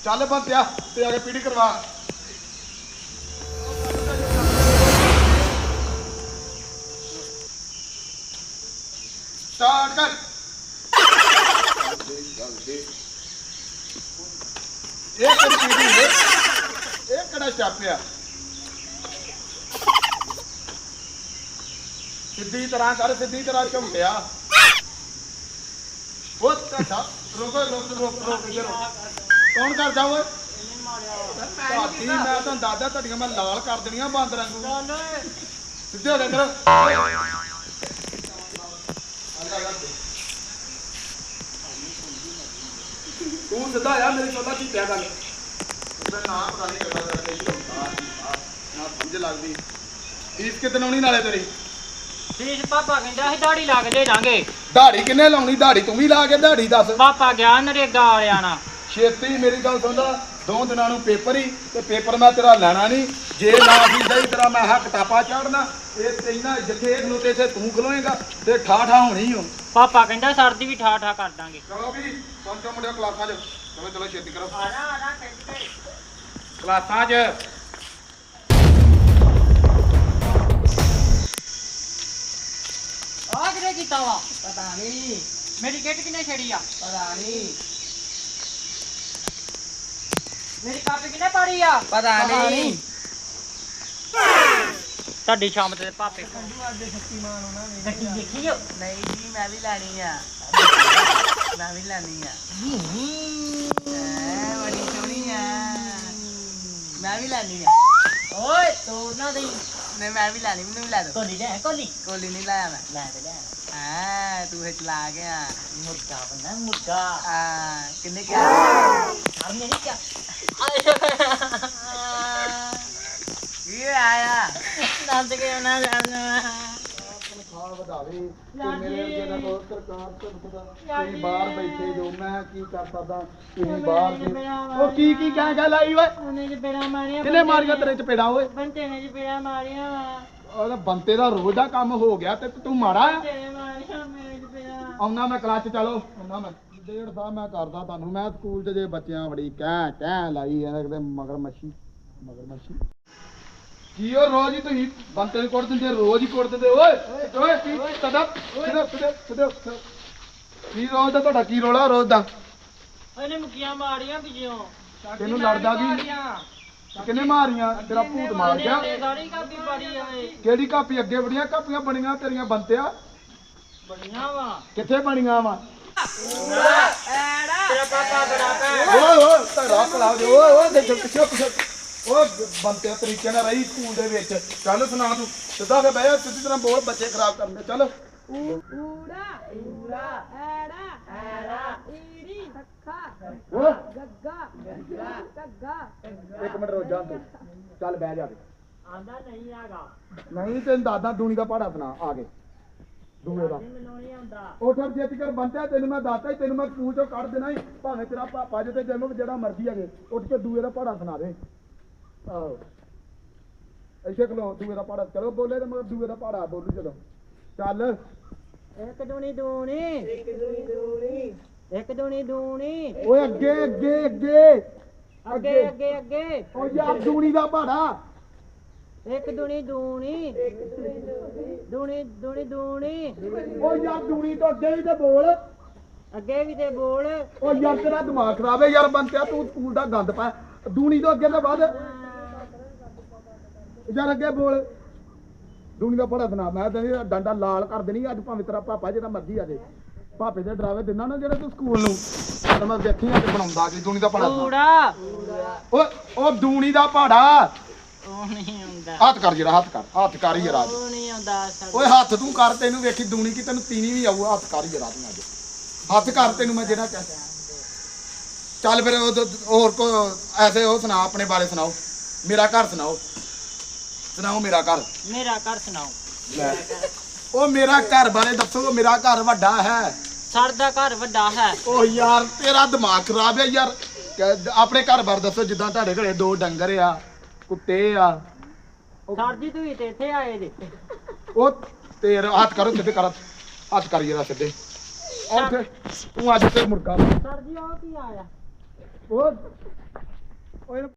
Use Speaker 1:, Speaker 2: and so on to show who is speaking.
Speaker 1: ਚੱਲ ਬੰਤਿਆ ਤੇ ਆ ਕੇ ਪੀੜੀ ਕਰਵਾ ਸਟਾਰਟ ਕਰ ਇਹ ਕਿਹੜੀ ਪੀੜੀ ਹੈ ਇਹ ਕਿਹੜਾ ਸਟੈਪ ਆ ਸਿੱਧੀ ਤਰ੍ਹਾਂ ਕਰ ਸਿੱਧੀ ਤਰ੍ਹਾਂ ਝੁੰਮਿਆ ਉਹ ਤਾਂ ਰੁਕੋ ਕੌਣ ਕਰਦਾ ਓਏ ਧਾਤੀ ਮੈਂ ਤੁਹਾਨੂੰ ਦੱਸਦਾ ਤੁਹਾਡੀਆਂ ਮੈਂ ਲਾਲ ਕਰ ਦੇਣੀਆਂ ਬਾਂਦਰਾਂ ਨੂੰ ਸਿੱਧੇ ਹੋ ਗਏ ਕਰੋ ਤੂੰ ਸਿੱਧਾ ਆ ਮੇਰੀ ਚੋਲਾ ਕੀ ਪਿਆ ਗੱਲ ਉਹਦਾ ਨਾਮ ਪਤਾ ਨਹੀਂ ਕਰਦਾ ਨਾ ਸਮਝ ਲੱਗਦੀ ਫੀਸ ਕਿਤਨ ਆਉਣੀ ਨਾਲੇ ਤੇਰੀ
Speaker 2: ਫੀਸ ਪਾਪਾ ਕਹਿੰਦਾ ਸੀ ਦਾੜੀ ਲਾ ਕੇ ਦੇ ਦਾਂਗੇ
Speaker 1: ਦਾੜੀ ਕਿੰਨੇ ਲਾਉਣੀ ਦਾੜੀ ਤੂੰ ਵੀ ਲਾ ਕੇ ਦਾੜੀ ਦੱਸ
Speaker 2: ਪਾਪਾ ਗਿਆ ਨਰੇਗਾ ਵਾਲਿਆਂ ਨਾਲ
Speaker 1: ਛੇਤੀ ਮੇਰੀ ਗੱਲ ਸੁਣਦਾ 2 ਦਿਨਾਂ ਨੂੰ ਪੇਪਰ ਹੀ ਤੇ ਪੇਪਰ ਮੈਂ ਤੇਰਾ ਲੈਣਾ ਨਹੀਂ ਜੇ ਨਾ ਵੀ ਸਹੀ ਤੇਰਾ ਮੈਂ ਹੱਕ ਟਾਪਾ ਚੜਨਾ ਇਹ ਤੈਨਾਂ ਜਿੱਥੇ ਇਹਨੂੰ ਤੇ ਇੱਥੇ ਤੂੰ ਖਲੋਏਗਾ ਤੇ ਠਾਠਾ ਹੋਣੀ ਹੋ
Speaker 2: ਪਾਪਾ ਕਹਿੰਦਾ ਸਰਦੀ ਵੀ ਠਾ ਠਾ ਕਰ ਦਾਂਗੇ
Speaker 1: ਚਲੋ ਵੀ ਪੰਜ ਮੁੰਡਿਆਂ ਕਲਾਸਾਂ 'ਚ ਚਲੋ ਚਲੋ ਛੇਤੀ ਕਰੋ
Speaker 2: ਆ ਜਾ
Speaker 1: ਕਲਾਸਾਂ 'ਚ
Speaker 2: ਆ ਕਿਹਨੇ ਕੀਤਾ ਵਾ ਪਤਾ ਨਹੀਂ ਮੇਰੀ ਕਿੱਟ ਕਿਨੇ ਛੇੜੀ ਆ ਪਤਾ ਨਹੀਂ ਮੇਰੀ ਕਾਪੀ ਕਿਨੇ ਪਾੜੀ ਆ ਪਤਾ ਨਹੀਂ ਤੁਹਾਡੀ ਸ਼ਾਮ ਤੇ ਪਾਪੇ ਕੰਡੂ ਅੱਜ ਸ਼ਕਤੀਮਾਨ ਹੋਣਾ ਵੇਖੀ ਦੇਖੀਓ ਨਹੀਂ ਜੀ ਮੈਂ ਵੀ ਲੈਣੀ ਆ ਮੈਂ ਵੀ ਲੈਣੀ ਆ ਐ ਬੜੀ ਸੋਹਣੀ ਆ ਮੈਂ ਵੀ ਲੈਣੀ ਆ ਓਏ ਤੂੰ ਨਾ ਦੇ ਨਹੀਂ ਮੈਂ ਵੀ ਲੈਣੀ ਮੈਨੂੰ ਵੀ ਲੈ ਦੋ ਕੋਲੀ ਲੈ ਕੋਲੀ ਕੋਲੀ ਨਹੀਂ ਲਾਇਆ ਮੈਂ ਲੈ ਤੇ ਲੈ ਹਾਂ ਤੂੰ ਇਹ ਚਲਾ ਗਿਆ ਮੁਰਗਾ ਬਣਾ ਮੁਰਗਾ ਹਾਂ ਕਿੰਨੇ ਕਿਹਾ ਹਰ ਨੇ ਨਹੀਂ ਕਿਹਾ ਇਹ ਆਇਆ ਨੰਦ ਕੇ ਨਾ ਜਾਣਾ
Speaker 1: ਖਾਲ ਵਧਾਵੇ ਤੇ ਮੇਰੇ ਅੱਗੇ ਦਾ ਕੋਈ ਸਰਕਾਰ ਤੁਹਾਨੂੰ ਪਤਾ ਤੁਸੀਂ ਬਾਹਰ ਬੈਠੇ ਜੋ ਮੈਂ ਕੀ ਕਰ ਸਕਦਾ ਤੁਸੀਂ ਬਾਹਰ ਦੇ ਉਹ ਕੀ ਕਹਿ ਲਾਈ ਓਏ
Speaker 2: ਉਹਨੇ ਚਪੇੜਾ ਮਾਰਿਆ
Speaker 1: ਕਿੰਨੇ ਮਾਰੀਆਂ ਤੇਰੇ ਚਪੇੜਾ ਓਏ
Speaker 2: ਬੰਤੇ ਨੇ ਚਪੇੜਾ ਮਾਰਿਆ
Speaker 1: ਉਹਦਾ ਬੰਤੇ ਦਾ ਰੋਜ਼ ਦਾ ਕੰਮ ਹੋ ਗਿਆ ਤੇ ਤੂੰ ਮਾੜਾ ਆ
Speaker 2: ਤੇਰੇ ਮਾਰਿਆ ਮੇਰੇ ਚਪੇੜਾ
Speaker 1: ਆਉਣਾ ਮੈਂ ਕਲਾਸ ਚ ਚਲੋ ਆਉਣਾ ਮੈਂ 1.5 ਸਾਲ ਮੈਂ ਕਰਦਾ ਤੁਹਾਨੂੰ ਮੈਂ ਸਕੂਲ 'ਚ ਜੇ ਬੱਚਿਆਂ ਬੜੀ ਕਹਿ ਲਾਈ ਐ ਕਿਤੇ ਮਗਰ ਮੱਛੀ ਕੀ ਉਹ ਰੋਜ਼ ਹੀ ਤੁਸੀਂ ਬੰਤੇ ਨੂੰ ਕੁੱਟ ਦਿੰਦੇ ਰੋਜ਼ ਹੀ ਕੁੱਟ ਦਿੰਦੇ ਓਏ ਓਏ ਕੀ ਤੁਹਾਡਾ ਕੀ ਰੋਜ਼ ਦਾ ਤੁਹਾਡਾ ਕੀ ਰੋਲਾ ਰੋਜ਼ ਦਾ
Speaker 2: ਉਹਨੇ ਮੁੱਕੀਆਂ ਮਾਰੀਆਂ ਪਿੱਛੋਂ
Speaker 1: ਤੈਨੂੰ ਲੜਦਾ ਕੀ ਕਿੰਨੇ ਮਾਰੀਆਂ ਤੇਰਾ ਭੂਤ ਮਾਰ ਗਿਆ
Speaker 2: ਸਾਰੀ ਕਾਪੀ ਪਾੜੀ ਆਏ
Speaker 1: ਕਿਹੜੀ ਕਾਪੀ ਅੱਗੇ ਬੜੀਆਂ ਕਾਪੀਆਂ ਬਣੀਆਂ ਤੇਰੀਆਂ ਬੰਤਿਆ
Speaker 2: ਬੜੀਆਂ ਵਾ
Speaker 1: ਕਿੱਥੇ ਬਣੀਆਂ ਵਾ
Speaker 2: ਤੇਰਾ ਪਾਪਾ ਬੜਾ
Speaker 1: ਓਏ ਤੇਰਾ ਭਲਾ ਦੇ ਓਏ ਦੇਖੋ ਪਿੱਛੇ ਓਏ ਬੰਤੇ ਤਰੀਕੇ ਨਾਲ ਰਹੀ ਸਕੂਲ ਦੇ ਵਿੱਚ ਚੱਲ ਸੁਣਾ ਤੂੰ ਸਿੱਧਾ ਕੇ ਬਹਿ ਜਾ ਸਿੱਧੀ ਤਰ੍ਹਾਂ ਬੋਲ ਬੱਚੇ ਖਰਾਬ ਕਰਨੇ ਚੱਲ
Speaker 3: ਊੜਾ ਐੜਾ ਈੜੀ
Speaker 1: ਓਏ
Speaker 3: ਗੱਗਾ ਗੱਗਾ
Speaker 1: ਇੱਕ ਮਿੰਟ ਰੁਕ ਜਾ ਤੂੰ ਚੱਲ ਬਹਿ ਜਾ
Speaker 2: ਆਂਦਾ ਨਹੀਂ ਆਗਾ
Speaker 1: ਨਹੀਂ ਤੈਨੂੰ ਦਾਦਾ ਦੂਣੀ ਦਾ ਪਹਾੜਾ ਸੁਣਾ ਆ ਕੇ ਦੂਏ ਦਾ
Speaker 2: ਮੈਨੂੰ ਨਹੀਂ ਆਉਂਦਾ
Speaker 1: ਉਹ ਠਰ ਜਿੱਤ ਕਰ ਬੰਤਿਆ ਤੈਨੂੰ ਮੈਂ ਦੱਸਤਾ ਹੀ ਤੈਨੂੰ ਮੈਂ ਸਕੂਲ ਚੋਂ ਕੱਢ ਦੇਣਾ ਹੀ ਭਾਵੇਂ ਤੇਰਾ ਪਾਪਾ ਜੇ ਤੇ ਜਨਮ ਜਿਹੜਾ ਮਰਜ਼ੀ ਹੈਗੇ ਉੱਠ ਕੇ ਦੂਏ ਦਾ ਪਹਾੜਾ ਸੁਣਾ ਦੇ ਆਹੋ ਐਸੇ ਖਲੋ ਦੂਏ ਦਾ ਪਹਾੜਾ ਚਲੋ ਬੋਲੇ ਤੇ ਮਗਰ ਦੂਏ ਦਾ ਪਹਾੜਾ ਬੋਲੂ ਚਲੋ ਚੱਲ
Speaker 2: ਇੱਕ ਦੂਣੀ ਦੂਣੀ ਇੱਕ ਦੂਣੀ ਦੂਣੀ
Speaker 1: ਓਏ ਅੱਗੇ
Speaker 2: ਅੱਗੇ ਅੱਗੇ ਅੱਗੇ
Speaker 1: ਓ ਯਾਰ ਦੂਣੀ ਦਾ ਪਹਾੜਾ
Speaker 2: ਇੱਕ ਦੂਣੀ ਦੂਣੀ ਦੂਣੀ ਦੂਣੀ ਦੂਣੀ
Speaker 1: ਓ ਯਾਰ ਦੂਣੀ ਤੋਂ ਅੱਗੇ ਵੀ ਤੇ ਬੋਲ
Speaker 2: ਅੱਗੇ ਵੀ ਤੇ ਬੋਲ
Speaker 1: ਓ ਯਾਰ ਤੇਰਾ ਦਿਮਾਗ ਖਰਾਬ ਹੈ ਯਾਰ ਬੰਤਿਆ ਤੂੰ ਸਕੂਲ ਦਾ ਗੰਦ ਪਾ ਦੂਣੀ ਤੋਂ ਅੱਗੇ ਤੇ ਵੱਧ ਯਾਰ ਅੱਗੇ ਬੋਲ ਦੂਣੀ ਦਾ ਪਹਾੜਾ ਸੁਣਾ ਮੈਂ ਤੈਨੂੰ ਡੰਡਾ ਲਾਲ ਕਰ ਦੇਣੀ ਅੱਜ ਭਾਵੇਂ ਤੇਰਾ ਪਾਪਾ ਜਿਹੜਾ ਮਰਜ਼ੀ ਆ ਜੇ ਪਾਪੇ ਦੇ ਡਰਾਵੇ ਦਿੰਦਾ ਨਾ ਜਿਹੜਾ ਤੂੰ ਸਕੂਲ ਨੂੰ ਤਾਂ ਮੈਂ ਵੇਖੀ ਅੱਜ ਬਣਾਉਂਦਾ ਕਿ ਦੂਣੀ ਦਾ ਪਹਾੜਾ
Speaker 2: ਊੜਾ
Speaker 1: ਓਏ ਉਹ ਦੂਣੀ ਦਾ ਪਹਾੜਾ
Speaker 2: ਉਹ ਨਹੀਂ ਆਉਂਦਾ
Speaker 1: ਹੱਥ ਕਰ ਜਰਾ ਹੱਥ ਕਰ ਹੀ ਰਾਜ
Speaker 2: ਉਹ ਨਹੀਂ ਆਉਂਦਾ
Speaker 1: ਓਏ ਹੱਥ ਤੂੰ ਕਰ ਤੈਨੂੰ ਵੇਖੀ ਦੂਣੀ ਕੀ ਤੈਨੂੰ ਤੀਣੀ ਵੀ ਆਊ ਹੱਥ ਕਰ ਹੀ ਜਰਾ ਤੂੰ ਅੱਜ ਹੱਥ ਕਰ ਤੈਨੂੰ ਮੈਂ ਜਿਹੜਾ ਕਹਿ ਚੱਲ ਫਿਰ ਹੋਰ ਕੋ ਐਸੇ ਉਹ ਸੁਣਾ ਆਪਣੇ ਬਾਰੇ ਸੁਣਾਓ ਮੇਰਾ ਘਰ ਸੁਣਾਓ ਮੇਰਾ ਘਰ
Speaker 2: ਸੁਣਾਓ
Speaker 1: ਲੈ ਉਹ ਮੇਰਾ ਘਰ ਬਾਰੇ ਦੱਸੋ ਮੇਰਾ ਘਰ ਵੱਡਾ ਹੈ
Speaker 2: ਸਰ ਦਾ ਘਰ ਵੱਡਾ ਹੈ
Speaker 1: ਓ ਯਾਰ ਤੇਰਾ ਦਿਮਾਗ ਖਰਾਬ ਹੈ ਯਾਰ ਆਪਣੇ ਘਰ ਬਾਰੇ ਦੱਸੋ ਜਿੱਦਾਂ ਤੁਹਾਡੇ ਘਰੇ 2 ਡੰਗਰ ਆ ਕੁੱਤੇ ਆ
Speaker 2: ਸਰ ਜੀ ਤੁਸੀਂ ਤੇ ਇੱਥੇ ਆਏ ਜੇ
Speaker 1: ਉਹ ਤੇਰਾ ਹੱਥ ਕਰੋ ਸਿੱਧੇ ਕਰ ਹੱਥ ਕਰੀਏ ਦਾ ਸਿੱਧੇ ਉੱਥੇ ਤੂੰ ਅੱਜ ਤੇ ਮੁਰਗਾ
Speaker 2: ਸਰ ਜੀ ਉਹ ਕੀ ਆਇਆ
Speaker 1: ਉਹ ਓਏ